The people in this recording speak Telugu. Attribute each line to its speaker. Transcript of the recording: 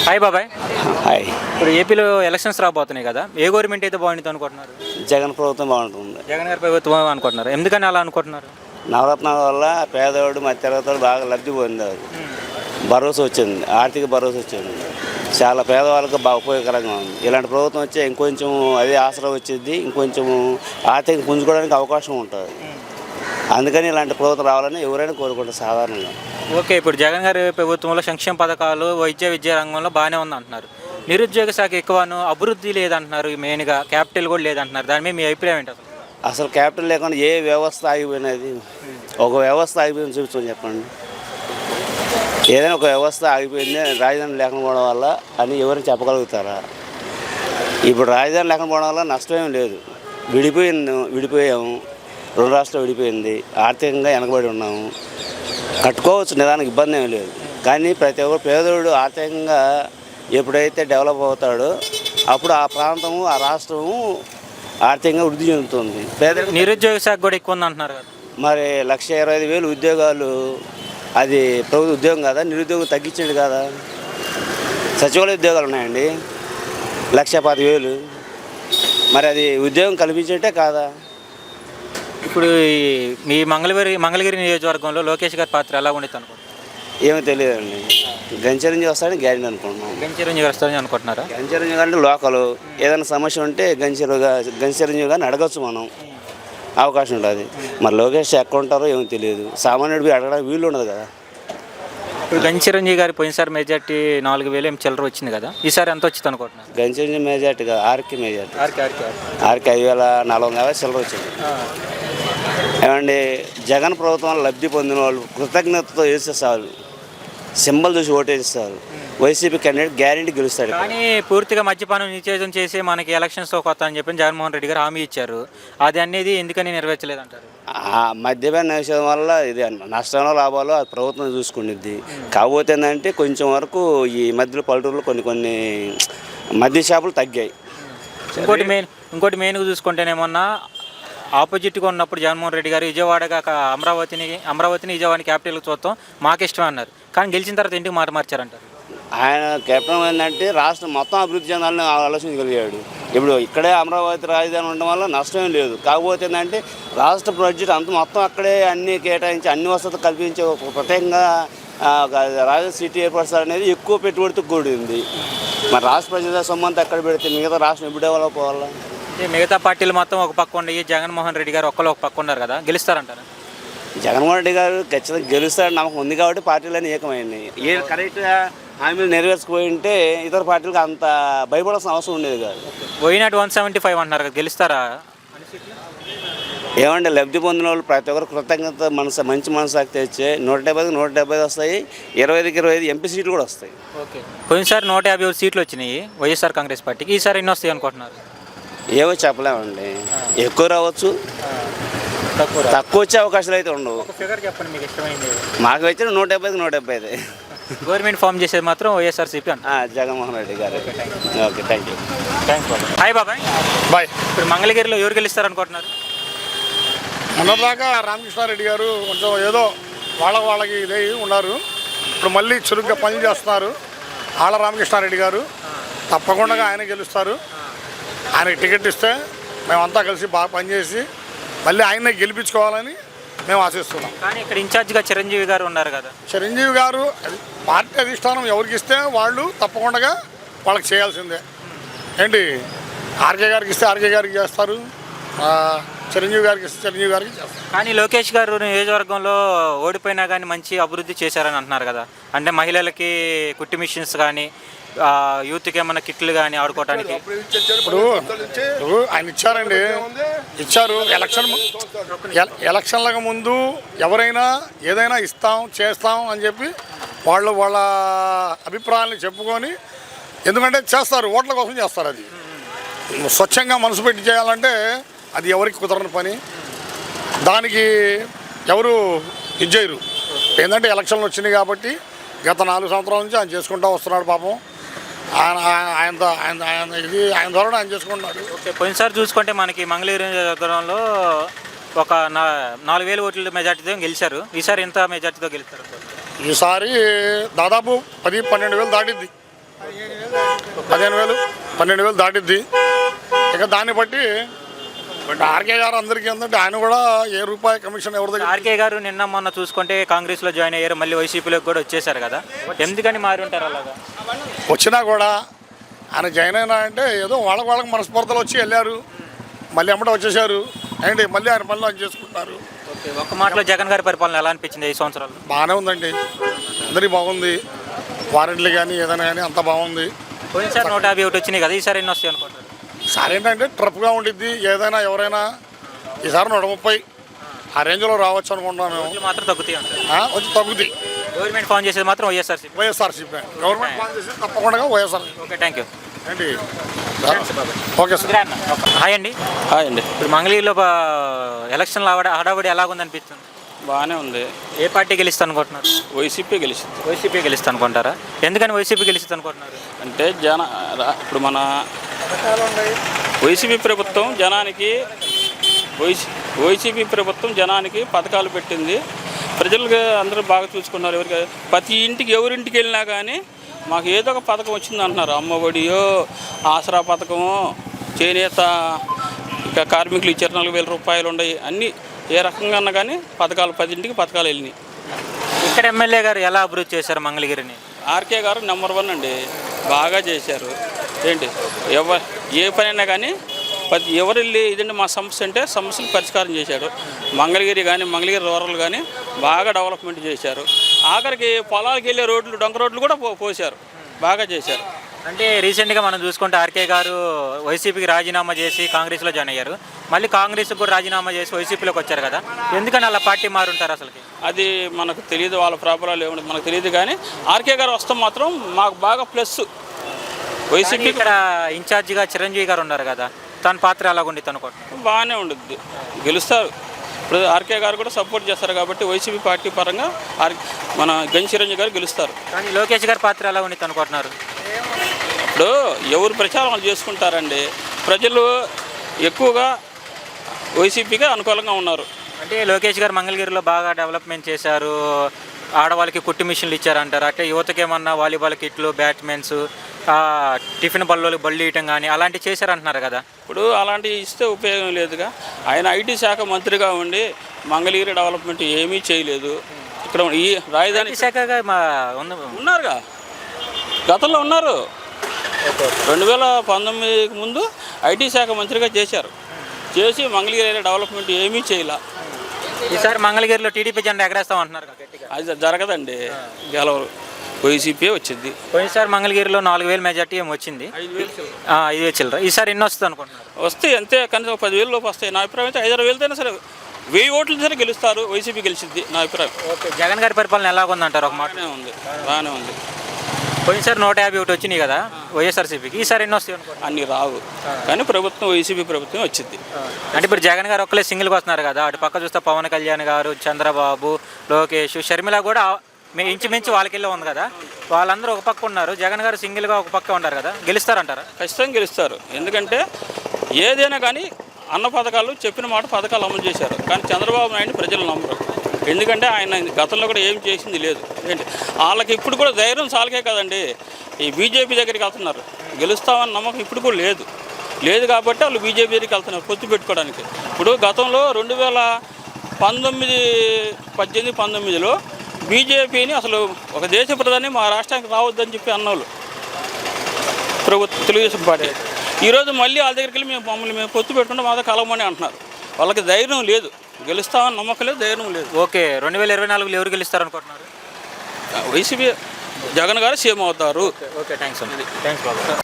Speaker 1: హాయ్ బాబాయ్.
Speaker 2: హాయ్.
Speaker 1: ఇప్పుడు ఏపీలో ఎలక్షన్స్ రాబోతున్నాయి కదా, ఏ గవర్నమెంట్ అయితే బాగుంటుంది అనుకుంటున్నారు?
Speaker 2: జగన్ ప్రభుత్వం బాగుంటుంది.
Speaker 1: జగన్ గారి ప్రభుత్వం అనుకుంటున్నారు. ఎందుకని అలా అనుకుంటున్నారు?
Speaker 2: నవరత్నాల వల్ల పేదవాడు మధ్యతరగతి బాగా లబ్ధి పొందారు. భరోసా వచ్చింది, ఆర్థిక భరోసా వచ్చింది. చాలా పేదవాళ్ళకు బాగా ఉపయోగకరంగా ఉంది. ఇలాంటి ప్రభుత్వం వచ్చే ఇంకొంచెం అదే ఆసరా వచ్చింది, ఇంకొంచెం ఆర్థిక పుంజుకోవడానికి అవకాశం ఉంటుంది. అందుకని ఇలాంటి ప్రభుత్వం రావాలని ఎవరైనా కోరుకుంటారు సాధారణంగా.
Speaker 1: ఓకే, ఇప్పుడు జగన్ గారి ప్రభుత్వంలో సంక్షేమ పథకాలు విద్యా రంగంలో బాగానే ఉంది అంటున్నారు. నిరుద్యోగ శాఖ ఎక్కువను, అభివృద్ధి లేదంటున్నారు. మెయిన్గా క్యాపిటల్ కూడా లేదంటున్నారు. దాని మీద మీ అభిప్రాయం ఏంటి?
Speaker 2: అసలు క్యాపిటల్ లేకుండా ఏ వ్యవస్థ ఆగిపోయినది? ఒక వ్యవస్థ ఆగిపోయింది చూపించమని చెప్పండి. ఏదైనా ఒక వ్యవస్థ ఆగిపోయింది రాజధాని లేకపోవడం వల్ల అని ఎవరైనా చెప్పగలుగుతారా? ఇప్పుడు రాజధాని లేకపోవడం వల్ల నష్టమేం లేదు. విడిపోయాము, రెండు రాష్ట్రాలు విడిపోయింది, ఆర్థికంగా వెనకబడి ఉన్నాము. కట్టుకోవచ్చు, నిదానికి ఇబ్బంది ఏమీ లేదు. కానీ ప్రతి ఒక్కరు పేదోడు ఆర్థికంగా ఎప్పుడైతే డెవలప్ అవుతాడో అప్పుడు ఆ ప్రాంతము, ఆ రాష్ట్రము ఆర్థికంగా వృద్ధి చెందుతుంది.
Speaker 1: నిరుద్యోగ శాఖ కూడా ఎక్కువ ఉంది అంటున్నారు కదా.
Speaker 2: మరి 1,25,000 ఉద్యోగాలు అది ప్రభుత్వ ఉద్యోగం కాదా? నిరుద్యోగం తగ్గించండి కాదా? సచివాలయ ఉద్యోగాలు ఉన్నాయండి 1,25,000. మరి అది ఉద్యోగం కల్పించేటే కాదా?
Speaker 1: ఇప్పుడు మీ మంగళగిరి నియోజకవర్గంలో లోకేష్ గారి పాత్ర ఎలా ఉండేది అనుకుంటున్నారు?
Speaker 2: ఏమో తెలియదండి. గంచిరంజీవి వస్తాడని గ్యారెంటీ అనుకుంటున్నాం.
Speaker 1: గంచిరంజీవి వస్తాడని అనుకుంటున్నారా?
Speaker 2: గంచిరంజీవి గారు లోకల్ ఏదైనా సమస్య ఉంటే గంచిరంజీవి గారిని అడగచ్చు, మనం అవకాశం ఉంటుంది. మరి లోకేష్ ఎక్కడ ఉంటారో ఏమో తెలియదు. సామాన్యుడికి అడగడానికి వీలు ఉండదు కదా.
Speaker 1: ఇప్పుడు గంచిరంజీవి గారి పోయినసారి మెజార్టీ 4,000 చిల్లర వచ్చింది కదా, ఈసారి ఎంత వచ్చింది అనుకుంటున్నారు?
Speaker 2: గంచిరంజీవి మెజార్టీ కదా, ఆర్కే మెజార్టీ. ఆర్కే 5,450 చిల్లర వచ్చింది. ఏమండి, జగన్ ప్రభుత్వం లబ్ధి పొందిన వాళ్ళు కృతజ్ఞతతో వేసేస్తారు, సింబల్ చూసి ఓటేస్తారు. వైసీపీ క్యాండిడేట్ గ్యారెంటీ గెలుస్తాడు.
Speaker 1: కానీ పూర్తిగా మద్యపానం నిషేధం చేసి మనకి ఎలక్షన్స్ కొత్త అని చెప్పి జగన్మోహన్ రెడ్డి గారు హామీ ఇచ్చారు. అది అనేది ఎందుకని నెరవేర్చలేదంటారు?
Speaker 2: మద్యపాన నిషేధం వల్ల ఇది నష్టంలో లాభాలు అది ప్రభుత్వం చూసుకునేది. కాకపోతే ఏంటంటే కొంచెం వరకు ఈ మధ్యలో పల్లెటూరులో కొన్ని మద్య షాపులు తగ్గాయి.
Speaker 1: ఇంకోటి మెయిన్గా చూసుకుంటేనేమన్నా ఆపోజిట్గా ఉన్నప్పుడు జగన్మోహన్ రెడ్డి గారు విజయవాడగా అమరావతిని విజయవాడని క్యాపిటల్గా చూస్తాం మాకు ఇష్టమే అన్నారు. కానీ గెలిచిన తర్వాత ఇంటికి మాట మార్చారంటారు.
Speaker 2: ఆయన కెప్టెన్ ఏంటంటే రాష్ట్రం మొత్తం అభివృద్ధి చెందాలని ఆలోచించగలిగాడు. ఇప్పుడు ఇక్కడే అమరావతి రాజధాని ఉండడం వల్ల నష్టం లేదు. కాకపోతే ఏంటంటే రాష్ట్ర బడ్జెట్ అంత మొత్తం అక్కడే అన్ని కేటాయించి అన్ని వసతులు కల్పించే ప్రత్యేకంగా రాజధాని సిటీ ఏర్పరచాలనేది ఎక్కువ పెట్టుబడితో కూడింది. మరి రాష్ట్ర ప్రజల సొమ్మంతా ఎక్కడ పెడితే మిగతా రాష్ట్రం ఎప్పుడు డెవలప్ అవ్వాలా?
Speaker 1: మిగతా పార్టీలు మొత్తం ఒక పక్క ఉండి జగన్మోహన్ రెడ్డి గారు ఒక్కరు ఒక పక్క ఉన్నారు కదా, గెలుస్తారంటారా?
Speaker 2: జగన్మోహన్ రెడ్డి గారు ఖచ్చితంగా గెలుస్తారని నమ్మకం ఉంది కాబట్టి పార్టీలన్నీ ఏకమైనాయి. ఏ కరెక్ట్గా హామీలు నెరవేర్చుకుపోయి ఉంటే ఇతర పార్టీలకు అంత భయపడాల్సిన అవసరం ఉండేది కాదు.
Speaker 1: పోయినట్టు 175 అంటున్నారు కదా, గెలుస్తారా?
Speaker 2: ఏమంటే లబ్ధి పొందిన వాళ్ళు ప్రతి ఒక్కరు కృతజ్ఞత మంచి మనసు తెచ్చే 170 వస్తాయి, 25కి 25 ఎంపీ సీట్లు కూడా వస్తాయి.
Speaker 1: ఓకే, పోయినసారి 150 సీట్లు వచ్చినాయి వైఎస్ఆర్ కాంగ్రెస్ పార్టీకి, ఈసారి ఎన్ని వస్తాయి అనుకుంటున్నారు?
Speaker 2: ఏవో చెప్పలేమండి. ఎక్కువ రావచ్చు, తక్కువ వచ్చే అవకాశాలు అయితే ఉండవు.
Speaker 1: ఫిగర్ చెప్పండి మీకు ఇష్టమైంది.
Speaker 2: మాకు వచ్చిన 170కి 175.
Speaker 1: గవర్నమెంట్ ఫామ్ చేసేది మాత్రం వైఎస్ఆర్సీపీ అంట,
Speaker 2: Jaganmohan Reddy garu. Okay, thank you.
Speaker 1: Thanks బాబాయ్. హాయ్ బాబాయ్.
Speaker 3: బాయ్.
Speaker 1: ఇప్పుడు మంగళగిరిలో ఎవరు గెలుస్తారు అనుకుంటున్నారు?
Speaker 3: మొన్నదాకా రామకృష్ణారెడ్డి గారు కొంచెం ఏదో వాళ్ళకి ఇదే ఉన్నారు. ఇప్పుడు మళ్ళీ చురుగ్గా పని చేస్తున్నారు. ఆళ్ళ రామకృష్ణారెడ్డి గారు తప్పకుండా ఆయన గెలుస్తారు. ఆయనకి టికెట్ ఇస్తే మేమంతా కలిసి బాగా పనిచేసి మళ్ళీ ఆయన్నే గెలిపించుకోవాలని మేము ఆశిస్తున్నాం.
Speaker 1: కానీ ఇక్కడ ఇన్ఛార్జిగా చిరంజీవి గారు ఉన్నారు కదా.
Speaker 3: చిరంజీవి గారు పార్టీ అధిష్టానం ఎవరికి ఇస్తే వాళ్ళు తప్పకుండా వాళ్ళకి చేయాల్సిందే. ఏంటి, ఆర్కే గారికి ఇస్తే ఆర్కే గారికి చేస్తారు, చిరంజీవి గారికి ఇస్తే చిరంజీవి గారికి చేస్తారు.
Speaker 1: కానీ లోకేష్ గారు నియోజకవర్గంలో ఓడిపోయినా కానీ మంచి అభివృద్ధి చేశారని అంటున్నారు కదా. అంటే మహిళలకి కుట్టి మిషన్స్ కానీ, యూత్కి ఏమైనా కిట్లు కానీ ఆడుకోవడానికి
Speaker 3: ఇప్పుడు ఆయన ఇచ్చారు. ఎలక్షన్లకు ముందు ఎవరైనా ఏదైనా ఇస్తాం చేస్తాం అని చెప్పి వాళ్ళ అభిప్రాయాన్ని చెప్పుకొని, ఎందుకంటే చేస్తారు, ఓట్ల కోసం చేస్తారు. అది స్వచ్ఛంగా మనసు పెట్టి చేయాలంటే అది ఎవరికి కుదరని పని. దానికి ఎవరు ఇచ్చేయరు. ఏంటంటే ఎలక్షన్లు వచ్చినాయి కాబట్టి గత 4 సంవత్సరాల నుంచి ఆయన చేసుకుంటూ వస్తున్నాడు. పాపం ఆయన ద్వారా ఆయన చేసుకుంటున్నాడు.
Speaker 1: ఓకే, పోయినసారి చూసుకుంటే మనకి మంగళగిరి నియోజకవర్గంలో ఒక 4,000 ఓట్ల మెజార్టీతో గెలిచారు. ఈసారి ఎంత మెజార్టీతో గెలుస్తారు?
Speaker 3: ఈసారి దాదాపు 10-12 వేలు దాటిద్ది. 12,000 దాటిద్ది. ఇక దాన్ని బట్టి ఆర్కే గారు అందరికీ ఏంటంటే ఆయన కూడా ఏ రూపాయి కమిషన్ ఎవరి దగ్గర.
Speaker 1: ఆర్కే గారు నిన్న మొన్న చూసుకుంటే కాంగ్రెస్లో జాయిన్ అయ్యారు, మళ్ళీ వైసీపీలోకి కూడా వచ్చేసారు కదా, ఎందుకని మారి ఉంటారు అలాగా?
Speaker 3: వచ్చినా కూడా ఆయన జాయిన్ అయినా అంటే ఏదో వాళ్ళకి మనస్ఫూర్తలు వచ్చి వెళ్ళారు, మళ్ళీ అమ్మట వచ్చేసారు అండి, మళ్ళీ ఆయన పనులు ఆయన చేసుకుంటున్నారు.
Speaker 1: ఓకే, ఒక్క మాటలో జగన్ గారి పరిపాలన ఎలా అనిపించింది 5 సంవత్సరాలు?
Speaker 3: బాగానే ఉందండి, అందరికీ బాగుంది, వారెంట్లు కానీ ఏదైనా కానీ అంత బాగుంది.
Speaker 1: పోయినసారి 151 వచ్చినాయి కదా, ఈసారి ఎన్ని వస్తాయి అనుకుంటారు?
Speaker 3: ఈసారి ఏంటంటే ట్రప్గా ఉండిద్ది, ఏదైనా ఎవరైనా ఈసారి 130 ఆ రేంజ్లో రావచ్చు అనుకుంటున్నాను మేము.
Speaker 1: ఓట్లు మాత్రం తగ్గుతాయి అంటారు.
Speaker 3: వచ్చి తగ్గుతాయి.
Speaker 1: గవర్నమెంట్ ఫామ్ చేసేది మాత్రం వైఎస్ఆర్సీపీ.
Speaker 3: గవర్నమెంట్ పాలన చేసి తప్పకుండా వైఎస్ఆర్.
Speaker 1: Okay, thank you.
Speaker 3: ఏంటి ఓకే సార్.
Speaker 1: హాయ్ అండి.
Speaker 4: హాయ్ అండి.
Speaker 1: ఇప్పుడు మంగళగిరిలో ఎలక్షన్లో హడావుడి ఎలాగుంది అనిపిస్తుంది?
Speaker 4: బాగానే ఉంది.
Speaker 1: ఏ పార్టీ గెలుస్తా అనుకుంటున్నారు?
Speaker 4: వైసీపీ గెలిచింది.
Speaker 1: వైసీపీ గెలుస్తా అనుకుంటారా? ఎందుకని వైసీపీ గెలుస్తా అనుకుంటున్నారు?
Speaker 4: అంటే ఇప్పుడు మన వైసీపీ ప్రభుత్వం జనానికి పథకాలు పెట్టింది, ప్రజలకు అందరూ బాగా చూసుకున్నారు. ప్రతి ఇంటికి ఎవరింటికి వెళ్ళినా కానీ మాకు ఏదో ఒక పథకం వచ్చింది అంటున్నారు. అమ్మఒడియో, ఆసరా పథకమో, చేనేత ఇక కార్మికులు ఇచ్చారు 4,000 రూపాయలు ఉన్నాయి, అన్నీ ఏ రకంగా అన్నా కానీ పథకాలు 10 ఇంటికి పథకాలు వెళ్ళినాయి.
Speaker 1: ఇక్కడ ఎమ్మెల్యే గారు ఎలా అభివృద్ధి చేశారు మంగళగిరిని?
Speaker 4: ఆర్కే గారు నెంబర్ 1 అండి, బాగా చేశారు. ఏంటి ఏ పనైనా కానీ ఎవరు వెళ్ళి ఇదండి మా సమస్య అంటే సమస్యలు పరిష్కారం చేశాడు. మంగళగిరి రూరల్ కానీ బాగా డెవలప్మెంట్ చేశారు. ఆఖరికి పొలాలకు వెళ్ళే రోడ్లు, డొంక రోడ్లు కూడా పోశారు, బాగా చేశారు.
Speaker 1: అంటే రీసెంట్గా మనం చూసుకుంటే ఆర్కే గారు వైసీపీకి రాజీనామా చేసి కాంగ్రెస్లో జాయిన్ అయ్యారు, మళ్ళీ కాంగ్రెస్కి కూడా రాజీనామా చేసి వైసీపీలోకి వచ్చారు కదా, ఎందుకని అలా పార్టీ మారుంటారు అసలుకి?
Speaker 4: అది మనకు తెలియదు, వాళ్ళ ప్రాబ్లాలు ఏమిటి మనకు తెలియదు. కానీ ఆర్కే గారు వస్తాం మాత్రం మాకు బాగా ప్లస్. వైసీపీ
Speaker 1: ఇక్కడ ఇన్ఛార్జిగా చిరంజీవి గారు ఉన్నారు కదా, తన పాత్ర ఎలాగుండి అనుకుంటున్నారు?
Speaker 4: బాగానే ఉండుద్ది, గెలుస్తారు. ఇప్పుడు ఆర్కే గారు కూడా సపోర్ట్ చేస్తారు కాబట్టి వైసీపీ పార్టీ పరంగా మన గంజి చిరంజీవి గారు గెలుస్తారు.
Speaker 1: కానీ లోకేష్ గారి పాత్ర ఎలా ఉండి అనుకుంటున్నారు?
Speaker 4: ఇప్పుడు ఎవరు ప్రచారం చేసుకుంటారండి, ప్రజలు ఎక్కువగా వైసీపీగా అనుకూలంగా ఉన్నారు.
Speaker 1: అంటే లోకేష్ గారు మంగళగిరిలో బాగా డెవలప్మెంట్ చేశారు, ఆడవాళ్ళకి కుట్టు మిషన్లు ఇచ్చారంటారు, అంటే యువతకి ఏమన్నా వాలీబాల్ కిట్లు, బ్యాట్మెన్స్, టిఫిన్ బళ్ళు ఇవ్వటం కానీ అలాంటివి చేశారంటున్నారు కదా.
Speaker 4: ఇప్పుడు అలాంటివి ఇస్తే ఉపయోగం లేదుగా. ఆయన ఐటీ శాఖ మంత్రిగా ఉండి మంగళగిరి డెవలప్మెంట్ ఏమీ చేయలేదు. ఇక్కడ ఈ రాజధాని
Speaker 1: శాఖగా
Speaker 4: ఉన్నారుగా, గతంలో ఉన్నారు. 2019కి ముందు ఐటీ శాఖ మంత్రిగా చేసి మంగళగిరి డెవలప్మెంట్ ఏమీ చేయలే.
Speaker 1: ఈసారి మంగళగిరిలో టీడీపీ జెండా ఎగరేస్తామంటున్నారు.
Speaker 4: అది జరగదండి, గెలవరు, వైసీపీ వచ్చింది.
Speaker 1: పోయినసారి మంగళగిరిలో 4,000 మెజార్టీ ఏమి వచ్చింది, 5,000 చిల్లర. ఈసారి ఎన్ని వస్తుంది అనుకుంటున్నారు?
Speaker 4: వస్తే అంతే, కనీసం 10,000 లోపు వస్తాయి. నా అభిప్రాయం అయితే 5,000 అయినా సరే 1000 ఓట్లు సరే గెలుస్తారు, వైసీపీ గెలిచింది నా అభిప్రాయం.
Speaker 1: ఓకే, జగన్ గారి పరిపాలన ఎలాగుందంటారు? ఒక మాట
Speaker 4: బాగానే ఉంది.
Speaker 1: పోయినసారి 151 వచ్చినాయి కదా వైఎస్ఆర్సీపీకి, ఈసారి ఎన్ని వస్తాయి అనుకో?
Speaker 4: అన్నీ రావు, కానీ ప్రభుత్వం వైసీపీ ప్రభుత్వం వచ్చింది.
Speaker 1: అంటే ఇప్పుడు జగన్ గారు ఒక్కలే సింగిల్గా వస్తున్నారు కదా, అటు పక్క చూస్తే పవన్ కళ్యాణ్ గారు, చంద్రబాబు, లోకేష్, షర్మిల కూడా ఇంచుమించు వాళ్ళకెళ్ళి ఉంది కదా, వాళ్ళందరూ ఒక పక్క ఉన్నారు, జగన్ గారు సింగిల్గా ఒక పక్క ఉన్నారు కదా, గెలుస్తారంటారా?
Speaker 4: ఖచ్చితంగా గెలుస్తారు. ఎందుకంటే ఏదైనా కానీ అన్న పథకాలు చెప్పిన మాట పథకాలు అమలు చేశారు, కానీ చంద్రబాబు నాయుడు ప్రజలు నమ్మరు. ఎందుకంటే ఆయన గతంలో కూడా ఏం చేసింది లేదు. ఏంటి వాళ్ళకి ఇప్పుడు కూడా ధైర్యం చాలకే కదండి ఈ బీజేపీ దగ్గరికి వెళ్తున్నారు, గెలుస్తామని నమ్మకం ఇప్పుడు కూడా లేదు కాబట్టి వాళ్ళు బీజేపీ దగ్గరికి వెళ్తున్నారు పొత్తు పెట్టుకోవడానికి. ఇప్పుడు గతంలో 2018-19లో బీజేపీని అసలు ఒక దేశ ప్రధాని మా రాష్ట్రానికి రావద్దని చెప్పి అన్నోళ్ళు తెలుగుదేశం పార్టీ. ఈరోజు మళ్ళీ వాళ్ళ దగ్గరికి వెళ్ళి మేము పొత్తు పెట్టుకుంటే మాతో కలవమని అంటున్నారు. వాళ్ళకి ధైర్యం లేదు, గెలుస్తామని నమ్మకం లేదు, ధైర్యం లేదు.
Speaker 1: ఓకే, 2024లో ఎవరు గెలుస్తారు అనుకుంటున్నారు?
Speaker 4: వైసీపీ జగన్ గారు సీఎం అవుతారు.
Speaker 1: ఓకే, థ్యాంక్స్ బాబు.